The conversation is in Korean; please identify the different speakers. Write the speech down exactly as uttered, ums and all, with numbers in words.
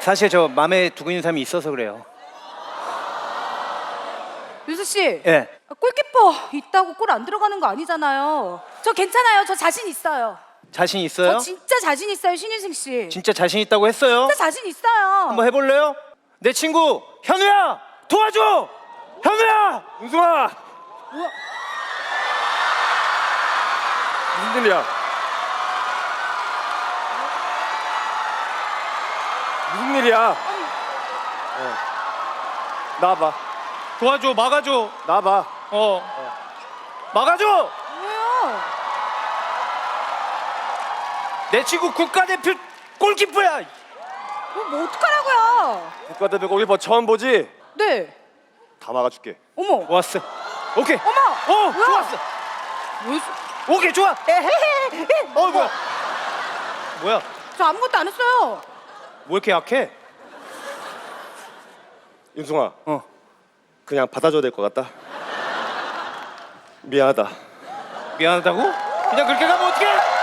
Speaker 1: 사실 저 마음에 두고 있는 사람이 있어서 그래요.
Speaker 2: 윤수 씨.
Speaker 1: 예.
Speaker 2: 골키퍼 있다고 골 안 들어가는 거 아니잖아요. 저 괜찮아요. 저 자신 있어요.
Speaker 1: 자신 있어요?
Speaker 2: 저 진짜 자신 있어요, 신인승 씨.
Speaker 1: 진짜 자신 있다고 했어요?
Speaker 2: 진짜 자신 있어요.
Speaker 1: 한번 해볼래요? 내 친구 현우야 도와줘! 현우야!
Speaker 3: 은수아!
Speaker 2: 뭐야?
Speaker 3: 무슨 일이야? 무슨 일이야? 어. 나와봐.
Speaker 1: 도와줘 막아줘.
Speaker 3: 나와봐.
Speaker 1: 어. 막아줘!
Speaker 2: 뭐예요?
Speaker 1: 내 친구 국가대표 골키퍼야!
Speaker 2: 뭐, 뭐 어떡하라고요?
Speaker 3: 국가대표 골키퍼 처음 보지?
Speaker 2: 네.
Speaker 3: 다 막아줄게.
Speaker 2: 어머.
Speaker 1: 좋았어. 오케이.
Speaker 2: 어머.
Speaker 1: 오
Speaker 2: 뭐야?
Speaker 1: 좋았어.
Speaker 2: 뭐였어?
Speaker 1: 오케이 좋아.
Speaker 2: 에헤헤.
Speaker 1: 어 뭐야? 뭐야?
Speaker 2: 저 아무것도 안 했어요.
Speaker 1: 뭐 이렇게 약해?
Speaker 3: 윤승아,
Speaker 1: 어.
Speaker 3: 그냥 받아줘야 될 것 같다. 미안하다.
Speaker 1: 미안하다고? 그냥 그렇게 가면 어떡해?